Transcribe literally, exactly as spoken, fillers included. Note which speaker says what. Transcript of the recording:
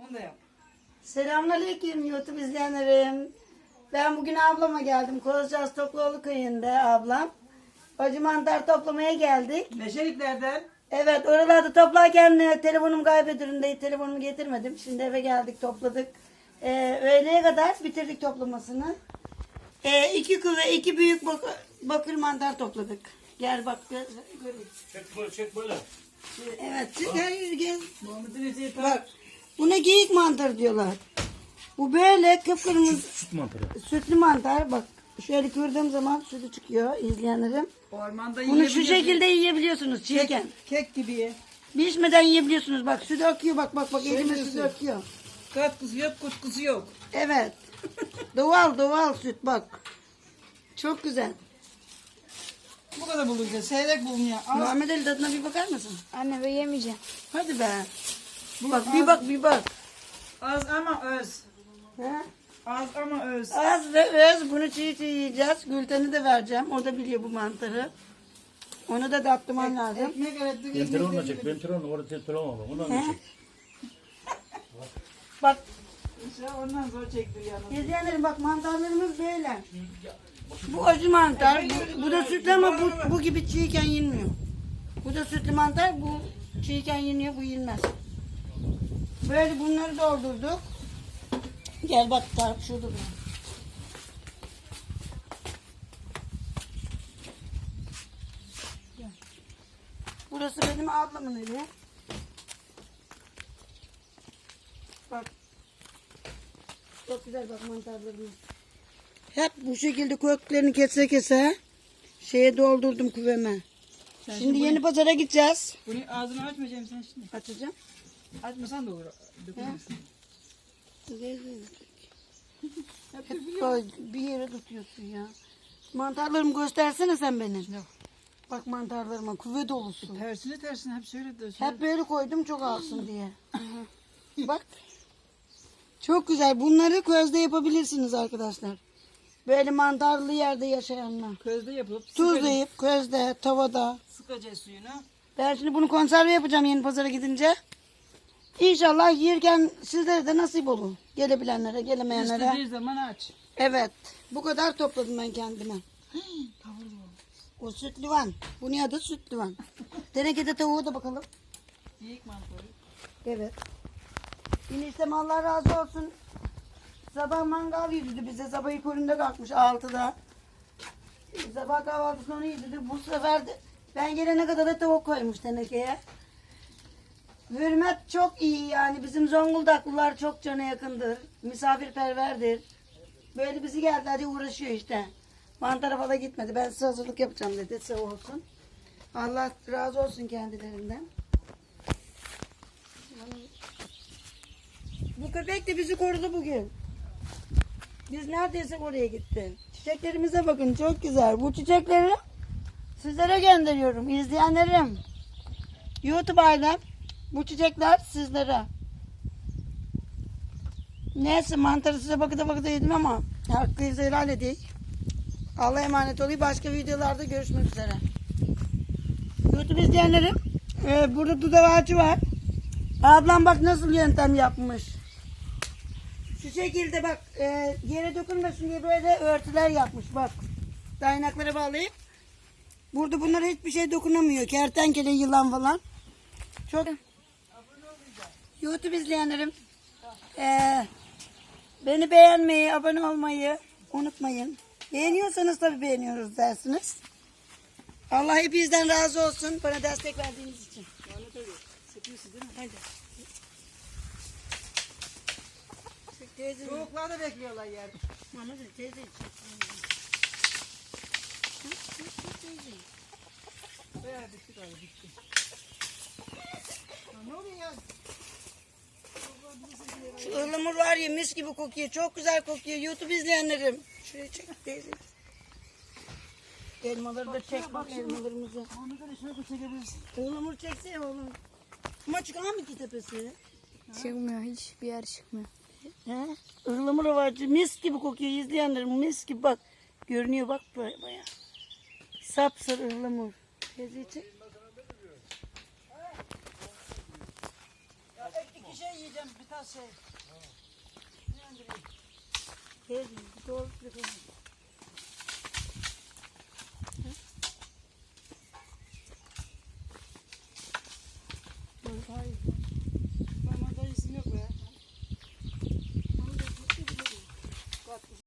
Speaker 1: Bunu da yap.
Speaker 2: Selamünaleyküm YouTube izleyenlerim. Ben bugün ablama geldim. Kozcaz Topluoğlu köyünde ablam. Acı mantar toplamaya geldik.
Speaker 1: Meşeliklerden.
Speaker 2: Evet, oralarda toplarken e, telefonum kaybedildi. Telefonumu getirmedim. Şimdi eve geldik, topladık. Ee, öğleye kadar bitirdik toplamasını. Ee, iki küve, iki büyük bak bakır mantar topladık. Gel bak, gör, göreyim.
Speaker 3: Çek böyle, çek böyle.
Speaker 2: Evet, gel, gel.
Speaker 1: Muhammed'in eti
Speaker 2: Bak, buna geyik mantarı diyorlar. Bu böyle kıpkırmızı
Speaker 3: Süt mantarı.
Speaker 2: sütlü mantar. Bak, şöyle kırdığım zaman sütü çıkıyor izleyenlerim.
Speaker 1: ormanda
Speaker 2: Bunu şu
Speaker 1: yiyebiliyorsun.
Speaker 2: şekilde yiyebiliyorsunuz çiğken.
Speaker 1: Kek, kek gibi ye.
Speaker 2: Pişmeden yiyebiliyorsunuz. Bak sütü akıyor, bak bak bak elime
Speaker 1: diyorsun.
Speaker 2: sütü akıyor.
Speaker 1: Katkısı yok, kutkusu yok.
Speaker 2: Evet. Doğal doğal süt bak. Çok güzel.
Speaker 1: Bu kadar bulunca seyrek bulunuyor. Az,
Speaker 2: Muhammed Ali tadına bir bakar mısın?
Speaker 4: Anne ben yemeyeceğim.
Speaker 2: Hadi be. Bak bir bak bir bak.
Speaker 1: az ama öz.
Speaker 2: He?
Speaker 1: Az ama öz.
Speaker 2: Az ve öz bunu çiğ çiğ yiyeceğiz. Gülten'i de vereceğim. O da biliyor bu mantarı. Onu da tatlıman lazım.
Speaker 1: Ekmek öğrettik.
Speaker 3: Ben telefonla çek, ben telefonla orada telefon var. Ondan da çek.
Speaker 2: Bak
Speaker 1: Ondan zor çektir yalnız.
Speaker 2: izleyenlerim bak mantarlarımız böyle. Bu acı mantar. Bu, bu da sütlü ama bu, bu gibi çiğken yenmiyor. Bu da sütlü mantar. Bu çiğken yeniyor. Bu yenmez. Böyle bunları doldurduk. Gel bak tarif şurada da. Gel. Burası benim ablamın evi. Bak. Çok güzel bak mantarlarımız. Hep bu şekilde köklerini kese kese şeye doldurdum küveme.
Speaker 1: Sen
Speaker 2: Şimdi yeni pazara gideceğiz.
Speaker 1: Bunu ağzını açmayacağım sen şimdi.
Speaker 2: Açacağım.
Speaker 1: Açmasan da olur. Dökülmesin.
Speaker 2: Hep böyle bir yere tutuyorsun ya. Mantarlarımı göstersene sen benim.
Speaker 1: Yok.
Speaker 2: Bak mantarlarıma küve dolusu.
Speaker 1: Tersine tersine hep şöyle de şöyle.
Speaker 2: Hep böyle koydum çok alsın diye. Bak. Çok güzel. Bunları közde yapabilirsiniz arkadaşlar. Böyle mantarlı yerde yaşayanlar.
Speaker 1: Közde yapılıp
Speaker 2: Tuzlayıp közde, tavada.
Speaker 1: sıkacağız suyunu.
Speaker 2: Ben şimdi bunu konserve yapacağım yeni pazara gidince. İnşallah yerken sizlere de nasip olur. Gelebilenlere, gelemeyenlere.
Speaker 1: İstediği zaman aç.
Speaker 2: Evet. Bu kadar topladım ben kendime. O sütlüvan. Bunun adı sütlüvan. Tenekede tavuğu da bakalım.
Speaker 1: Yiyik mantarı.
Speaker 2: Evet. Eniştem Allah razı olsun. Sabah mangal yedirdi bize. Sabah ilk önünde kalkmış altıda. Sabah kahvaltısını onu yedirdi. Bu sefer de ben gelene kadar da tavuk koymuş tenekeye. Hürmet çok iyi yani. Bizim Zonguldaklılar çok cana yakındır. Misafirperverdir. Böyle bizi geldi hadi uğraşıyor işte. Mantara falan gitmedi. Ben size hazırlık yapacağım dedi. Sağ olsun. Allah razı olsun kendilerinden. Bu köpek de bizi korudu bugün. Biz neredeyse oraya gitti. Çiçeklerimize bakın çok güzel. Bu çiçekleri sizlere gönderiyorum. İzleyenlerim. YouTube ailem. Bu çiçekler sizlere. Neyse mantarı size bakıda bakıda yedim ama hakkınızı helal edeyim. Allah'a emanet olayım. Başka videolarda görüşmek üzere. YouTube izleyenlerim. E, burada dudağı ağacı var. Ablam bak nasıl yöntem yapmış. Şu şekilde bak e, yere dökülmesin diye böyle örtüler yapmış bak. Dayanaklara bağlayıp. Burada bunlara hiçbir şey dokunamıyor. Kertenkele, yılan falan. Çok. YouTube izleyenlerim. E, beni beğenmeyi, abone olmayı unutmayın. Beğeniyorsanız tabii beğeniyoruz dersiniz. Allah hepinizden razı olsun bana destek verdiğiniz için.
Speaker 1: Sıkıyorsun değil mi?
Speaker 2: Hadi. Teyze,
Speaker 1: Soğuklar da bekliyorlar yerde.
Speaker 2: Mama da teyze için.
Speaker 1: Bayağı bitti galiba bitti. Ya ne oluyor ya?
Speaker 2: Şu ıhlamur var ya mis gibi kokuyor. Çok güzel kokuyor. YouTube izleyenlerim. Şuraya çek teyze. Elmaları da çek bak elmalarımızı.
Speaker 1: Onu da şöyle çekebilirsin.
Speaker 2: Ihlamur çeksene oğlum. Ama çıkar mı ki tepesi?
Speaker 4: Çıkmıyor, hiçbir yer çıkmıyor.
Speaker 2: He? Ihlamur var. Mis gibi kokuyor izleyenlerim. Mis gibi bak. Görünüyor bak böyle bayağı. Sapsarı ıhlamur. Teyze çek. Ya iki şey yiyeceğim bir tas şey. Beğendireyim. Teyze bir doğru bir şey. Hayır.